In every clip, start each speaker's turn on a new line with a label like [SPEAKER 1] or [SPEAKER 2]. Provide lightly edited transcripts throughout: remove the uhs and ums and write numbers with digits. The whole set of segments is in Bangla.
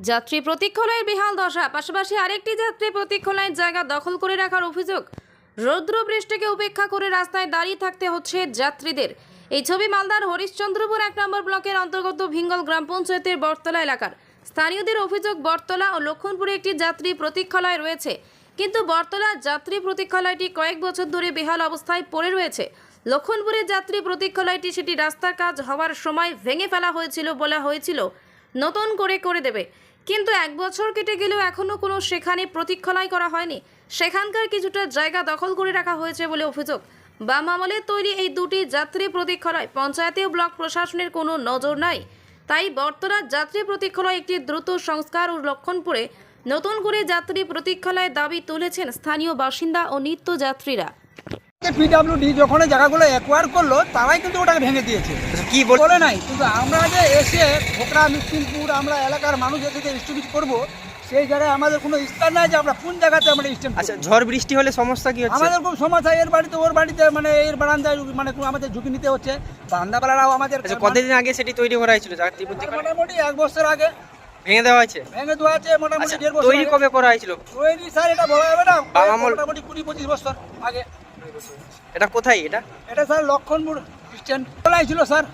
[SPEAKER 1] যাত্রী প্রতীক্ষালয়ের বেহাল দশা, পাশাপাশি আরেকটি যাত্রী প্রতীক্ষালয়ের জায়গা দখল করে রাখার অভিযোগ। রৌদ্র বৃষ্টিকে উপেক্ষা করে রাস্তায় দাঁড়িয়ে থাকতে হচ্ছে যাত্রীদের। এই ছবি মালদার হরিশ্চন্দ্রপুর 1 নম্বর ব্লকের অন্তর্গত ভিঙ্গল গ্রাম পঞ্চায়েতের বটতলা এলাকার। স্থানীয়দের অভিযোগ, বটতলা ও লক্ষণপুরে একটি যাত্রী প্রতীক্ষালয় রয়েছে, কিন্তু বটতলা যাত্রী প্রতীক্ষালয়টি কয়েক বছর ধরে বেহাল অবস্থায় পড়ে রয়েছে। লক্ষণপুরের যাত্রী প্রতীক্ষালয়টি সেটি রাস্তার কাজ হওয়ার সময় ভেঙে ফেলা হয়েছিল, বলা হয়েছিল নতুন করে দেবে, কিন্তু 1 বছর কেটে গেলেও এখনও কোনো সেখানে প্রতীক্ষালয় করা হয়নি। সেখানকার কিছুটা জায়গা দখল করে রাখা হয়েছে বলে অভিযোগ। বাম আমলে তৈরি এই দুটি যাত্রী প্রতীক্ষালয় পঞ্চায়েতে ও ব্লক প্রশাসনের কোনো নজর নাই। তাই বটতলার যাত্রী প্রতীক্ষালয় একটি দ্রুত সংস্কার ও লক্ষণপুরে নতুন করে যাত্রী প্রতীক্ষালয়ের দাবি তুলেছেন স্থানীয় বাসিন্দা ও নিত্যযাত্রীরা।
[SPEAKER 2] পিডব্লিউডি যখন জায়গাগুলো অ্যাকোয়ার করলো, তারাই কিন্তু ওটাকে ভেঙে দিয়েছে।
[SPEAKER 3] কি
[SPEAKER 2] বলে নাই, কিন্তু আমরা যে এসে খোকরা মিষ্টিনপুর আমরা এলাকার মানুষ এসে যে স্টুডিও করবো, সেই জায়গায় আমাদের কোনো স্থান নাই যে আমরা কোন জায়গাতে আমরা স্ট্যান্ড।
[SPEAKER 3] আচ্ছা, ঝড় বৃষ্টি হলে সমস্যা কি হচ্ছে?
[SPEAKER 2] আমাদের খুব সমস্যা, এর বাড়িতে ওর বাড়িতে, মানে এর বারান্দায় মানে আমাদের ঝুঁকি নিতে হচ্ছে। বারান্দাওয়ালারাও আমাদের।
[SPEAKER 3] আচ্ছা, কতদিন আগে সেটি তৈরি করা হয়েছিল?
[SPEAKER 2] মোটামুটি 1 বছর আগে
[SPEAKER 3] ভেঙে দেওয়া হয়েছে।
[SPEAKER 2] ভেঙে দেওয়া আছে মোটামুটি 1.5 বছর।
[SPEAKER 3] তৈরি কবে করা হয়েছিল?
[SPEAKER 2] তৈরি স্যার এটা বলা যাবে না, মোটামুটি 20-25 বছর আগে।
[SPEAKER 3] এটা কোথায়?
[SPEAKER 2] এটা স্যার লক্ষণপুর স্ট্যান্ড খোলাই ছিল স্যার।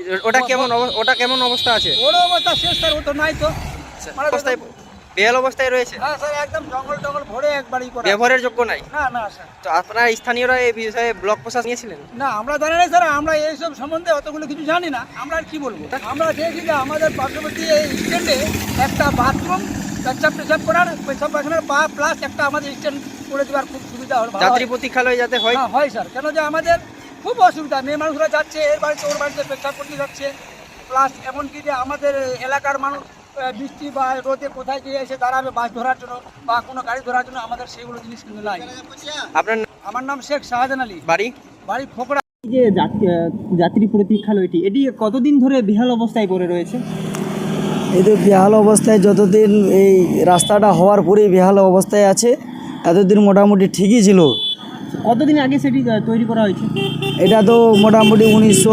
[SPEAKER 3] ওটা কেমন অবস্থা আছে?
[SPEAKER 2] ওর অবস্থা শেষ স্যার, ও তো নাই তো।
[SPEAKER 3] অবস্থায় বেহাল অবস্থায় রয়েছে।
[SPEAKER 2] হ্যাঁ স্যার, একদম জঙ্গল ভরে একবারই করা।
[SPEAKER 3] ব্যবহারের যোগ্য নাই?
[SPEAKER 2] না স্যার।
[SPEAKER 3] তো আপনারা স্থানীয়রা এই বিষয়ে ব্লক প্রশাসন নিয়েছিলেন?
[SPEAKER 2] না, আমরা জানি না স্যার, আমরা এইসব সম্বন্ধে অতগুলো কিছু জানি না। আমরা আর কি বলবো? আমরা দেখি যে আমাদের পার্শ্ববর্তী এই স্ট্যান্ডে একটা বাথরুম, পেশাব করার, পেশাব পায়খানার প্লাস একটা আমাদের স্ট্যান্ড করে দেওয়ার খুব সুবিধা হবে।
[SPEAKER 3] যাত্রী প্রতীক্ষালয় যাতে হয়।
[SPEAKER 2] হয় স্যার, কেন যে আমাদের খুব অসুবিধা। মেয়ে মানুষরা যাচ্ছে এর বাড়িতে ওর বাড়িতে পেশাব করতে যাচ্ছে, প্লাস এমনকি যে আমাদের এলাকার মানুষ বৃষ্টি বা রোদে কোথায় গিয়ে এসে দাঁড়াবে বাস ধরার জন্য বা কোনো গাড়ি ধরার জন্য, আমাদের সেইগুলো জিনিস কিন্তু নাই। আমার নাম শেখ শাহজাহান আলী, বাড়ি ফোকড়া।
[SPEAKER 4] যে যাত্রী প্রতীক্ষালয়টি, এটি কতদিন ধরে বেহাল অবস্থায় পড়ে রয়েছে?
[SPEAKER 5] এই তো বেহাল অবস্থায়, যতদিন এই রাস্তাটা হওয়ার পরেই বেহাল অবস্থায় আছে। এতদিন মোটামুটি ঠিকই ছিল।
[SPEAKER 4] কতদিন আগে সেটি তৈরি করা হয়েছে?
[SPEAKER 5] এটা তো মোটামুটি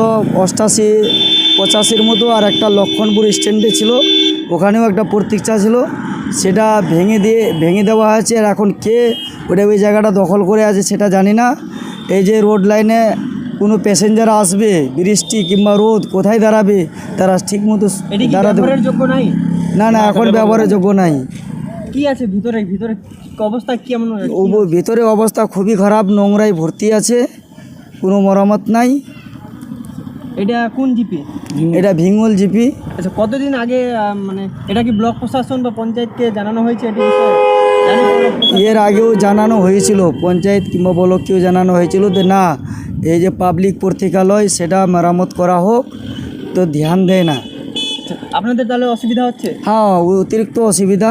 [SPEAKER 5] 1988-85 মতো। আর একটা লক্ষণপুর স্ট্যান্ডে ছিল, ওখানেও একটা প্রতীক্ষা ছিল, সেটা ভেঙে দেওয়া হয়েছে। আর এখন কে ওই জায়গাটা দখল করে আছে সেটা জানি না। এই যে রোড লাইনে কোনো প্যাসেঞ্জার আসবে, বৃষ্টি কিংবা রোদ, কোথায় দাঁড়াবে তারা ঠিক মতো দাঁড়াতে
[SPEAKER 4] যোগ্য নাই।
[SPEAKER 5] না, এখন ব্যবহারের যোগ্য নাই।
[SPEAKER 4] কি আছে ভিতরে অবস্থা কেমন?
[SPEAKER 5] ভিতরে অবস্থা খুবই খারাপ, নোংরায় ভর্তি আছে, কোনো মেরামত নাই।
[SPEAKER 4] এটা কোন জিপি?
[SPEAKER 5] এটা ভিঙ্গল জিপি।
[SPEAKER 4] আচ্ছা, কতদিন আগে মানে এটা কি ব্লক প্রশাসন বা পঞ্চায়েতকে জানানো হয়েছে এটি বিষয়ে?
[SPEAKER 5] এর আগেও জানানো হয়েছিল, পঞ্চায়েত কিংবা ব্লককেও জানানো হয়েছিল যে না, এই যে পাবলিক প্রতীক্ষালয় সেটা মেরামত করা হোক, তো ধ্যান দেয় না।
[SPEAKER 4] আপনাদের তাহলে অসুবিধা হচ্ছে?
[SPEAKER 5] হ্যাঁ, অতিরিক্ত অসুবিধা।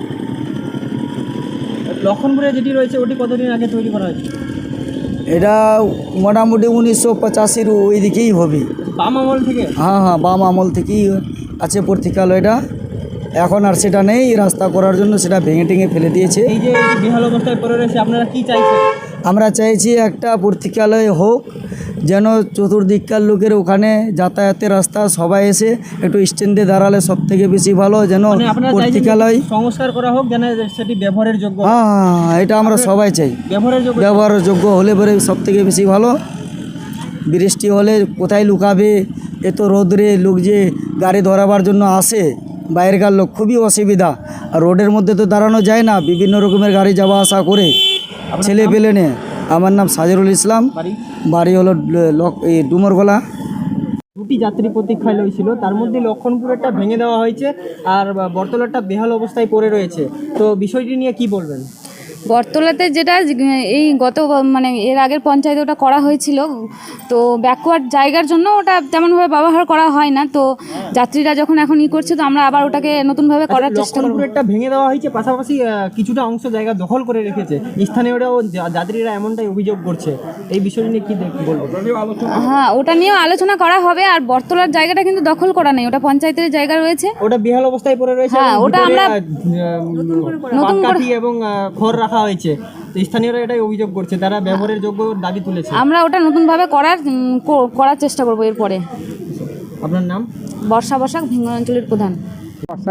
[SPEAKER 4] লক্ষণপুরে যেটি রয়েছে ওটি কতদিন আগে তৈরি করা হয়েছে?
[SPEAKER 5] এটা মোটামুটি 1985-র ওই দিকেই হবে।
[SPEAKER 4] বাম আমল থেকে?
[SPEAKER 5] হ্যাঁ, বাম আমল থেকেই আছে প্রতীক্ষালয়টা। এখন আর সেটা নেই, রাস্তা করার জন্য সেটা ভেঙে ফেলে দিয়েছে।
[SPEAKER 4] এই যে বেহাল অবস্থায় পড়ে রয়েছে, আপনারা কি চাইছেন?
[SPEAKER 5] আমরা চাইছি একটা প্রতীক্ষালয় হোক, যেন চতুর্দিককার লোকের ওখানে যাতায়াতের রাস্তা, সবাই এসে একটু স্ট্যান্ডে দাঁড়ালে সব থেকে বেশি ভালো। যেন প্রতীক্ষালয়
[SPEAKER 4] সংস্কার করা হোক, যেন সেটি ব্যবহারের যোগ্য।
[SPEAKER 5] হ্যাঁ, এটা আমরা সবাই চাই। ব্যবহারের যোগ্য হলে পরে সব থেকে বেশি ভালো। বৃষ্টি হলে কোথায় লুকাবে, এত রোদরে লোক যে গাড়ি ধরাবার জন্য আসে, বাইরেকার লোক, খুবই অসুবিধা। আর রোডের মধ্যে তো দাঁড়ানো যায় না, বিভিন্ন রকমের গাড়ি যাওয়া আসা করে, ছেলে পেলে নে। আমার নাম সাজরুল ইসলাম, বাড়ি হলো ডুমরগোলা।
[SPEAKER 4] দুটি যাত্রী প্রতীক্ষালয় ছিল, তার মধ্যে লক্ষণপুরেরটা ভেঙে দেওয়া হয়েছে আর বটতলাটা বেহাল অবস্থায় পড়ে রয়েছে। তো বিষয়টি নিয়ে কি বলবেন?
[SPEAKER 6] বটতলাতে যেটা এই মানে এর আগের পঞ্চায়েতে ওটা করা হয়েছিল, তো ব্যাকওয়ার্ড জায়গার জন্য ওটা তেমনভাবে ব্যবহার করা হয় না। তো যাত্রীরা যখন এখন করছে, তো আমরা আবার ওটাকে নতুনভাবে করার চেষ্টা করব।
[SPEAKER 4] লক্ষণপুরেরটা ভেঙে দেওয়া হয়েছে, পাশাপাশি কিছুটা অংশ জায়গা দখল করে রেখেছে স্থানীয়রাও, যাত্রীরা এমনটাই অভিযোগ করছে। এই বিষয় নিয়ে কি বলবো?
[SPEAKER 6] হ্যাঁ, ওটা নিয়েও আলোচনা করা হবে। আর বটতলার জায়গাটা কিন্তু দখল করা নেই, ওটা পঞ্চায়েতের জায়গা রয়েছে,
[SPEAKER 4] ওটা বেহাল অবস্থায় পড়ে রয়েছে।
[SPEAKER 6] হ্যাঁ, ওটা আমরা
[SPEAKER 4] নতুন করে এবং খড় রাখা হয়েছে। তো স্থানীয়রা এটাই অভিযোগ করছে, তারা ব্যবহারের যোগ্য দাবি তুলেছে।
[SPEAKER 6] আমরা ওটা নতুনভাবে করার চেষ্টা করব এরপরে।
[SPEAKER 4] আপনার নাম?
[SPEAKER 6] বর্ষা বসাক, ভিঙ্গল অঞ্চলের প্রধান।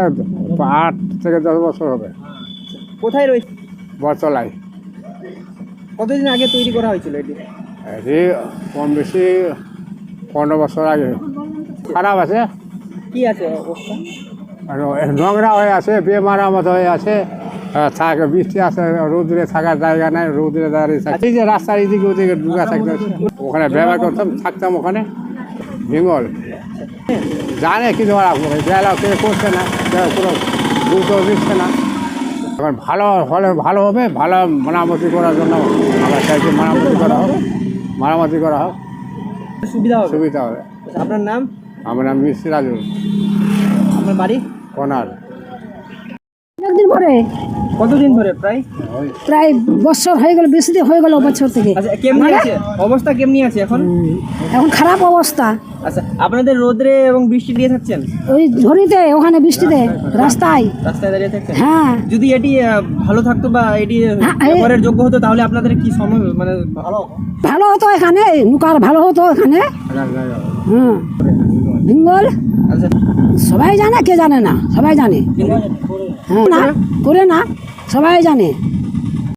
[SPEAKER 7] 8 থেকে 10 বছর হবে।
[SPEAKER 4] কোথায় রয়েছে?
[SPEAKER 7] বটতলায়।
[SPEAKER 4] কতদিন আগে তৈরি করা হয়েছিল এটি?
[SPEAKER 7] এটি কম বেশি 15 বছর আগে। খারাপ আছে,
[SPEAKER 4] কি আছে অবস্থা?
[SPEAKER 7] আর নোংরা হয়ে আছে, বেমারামত হয়ে আছে, থাকে বৃষ্টি আছে, রোদ্রে থাকার জায়গা নাই, রোদ্রে দাঁড়িয়ে থাকে। এই যে রাস্তার এদিকে ওদিকে ঢুকা থাকতে, ওখানে ব্যবহার করতাম, থাকতাম ওখানে বেঙ্গল। জানে কিছু বেলা কেউ করছে না, কেউ কোনো গুরুত্ব দিচ্ছে না। এখন ভালো হলে ভালো হবে, ভালো মেরামতি করার জন্য আমরা চাইছি মেরামতি করা হোক, মেরামতি করা হোক,
[SPEAKER 4] সুবিধা হবে।
[SPEAKER 7] সুবিধা হবে।
[SPEAKER 4] আপনার নাম?
[SPEAKER 7] আমার নাম মিস্ত্রি রাজু
[SPEAKER 4] আপনার বাড়ি?
[SPEAKER 7] কোনার।
[SPEAKER 8] একদিন পরে
[SPEAKER 4] কতদিন ধরে প্রায়?
[SPEAKER 8] প্রায় বছর হয়ে গেল, বেশি দিন হয়ে গেল বছর থেকে।
[SPEAKER 4] আচ্ছা, কেমনি আছে অবস্থা? কেমনি আছে এখন?
[SPEAKER 8] এখন খারাপ অবস্থা।
[SPEAKER 4] আচ্ছা, আপনাদের রোদ্রে এবং বৃষ্টি দিয়ে থাকছেন?
[SPEAKER 8] ওই ঝড়িতে, ওখানে বৃষ্টিতে, রাস্তায়।
[SPEAKER 4] রাস্তায় দাঁড়িয়ে থাকছেন?
[SPEAKER 8] হ্যাঁ,
[SPEAKER 4] যদি এটি ভালো থাকতো বা এটি ব্যবহারের যোগ্য হতো তাহলে আপনাদের কি সময় মানে ভালো?
[SPEAKER 8] ভালো হতো এখানে, নুকার ভালো হতো এখানে। হ্যাঁ, বেঙ্গল
[SPEAKER 4] আচ্ছা,
[SPEAKER 8] সবাই জানে, কে জানে না? সবাই জানে। হ্যাঁ, না করে না, সবাই জানে।